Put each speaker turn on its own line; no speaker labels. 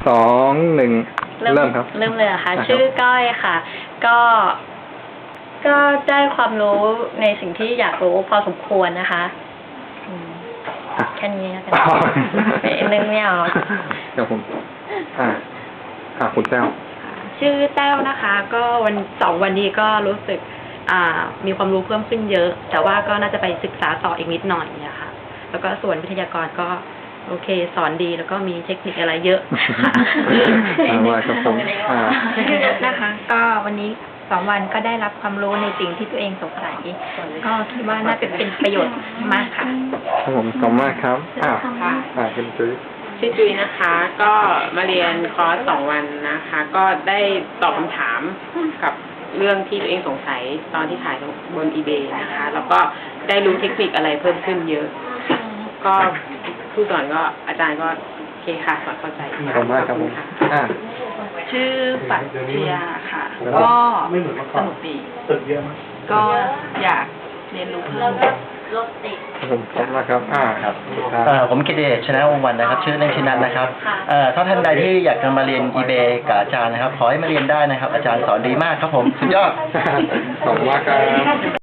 2 1 เริ่มครับ
เริ่มเลยเหรอค่ะ
นะครับ
ชื่อก้อยค่ะ ก็ได้ความรู้ในสิ่งที่อยากรู้พอสมควรนะคะแค่นี้แล้วกันนึกไม่ออก
เดี๋ยวผมคุณแต้ว
ชื่อแต้วนะคะ ก็2 วันนี้ก็รู้สึกมีความรู้เพิ่มขึ้นเยอะ แต่ว่าก็น่าจะไปศึกษาต่ออีกนิดหน่อยนะคะ แล้วก็ส่วนวิทยากรก็โอเคสอนดีแล้วก็มีเทคนิคอะไรเยอะค่ะ
ว่าครับผม
นะคะ ก็วันนี้2 วันก็ได้รับความรู้ในสิ่งที่ตัวเองสงสัยก็คิดว่าน่าจะเป็นประโยชน์มากค่ะ
ครับผมขอบคุณมากครับคุณจุ้ย
ชื่อจุยนะคะ ก็มาเรียนคอร์ส2 วันนะคะ ก็ได้ตอบคำถามกับเรื่องที่ตัวเองสงสัยตอนที่ขายบน eBay นะคะ แล้วก็ได้รู้เทคนิคอะไรเพิ่มขึ้นเยอะ ก็ผู้สอนก็อาจารย์ก็โอเคค่ะสอนเข้าใจ
ขอบคุณมากครับผม
ชื่อปัทยาค่ะ ก็สนุกดีก็อยากเรียนรู้เพิ่ม
รถติด
ผมขอบคุณมากครับครับ
ผมกิตติเดชชนะวงศ์วรรณนะครับ ชื่อเล่นชื่อนัทนะครับถ้าท่านใดที่อยากจะมาเรียน eBay กับอาจารย์นะครับ ขอให้มาเรียนได้นะครับ อาจารย์สอนดีมากครับผม สุดยอด
ขอบคุณมากครับ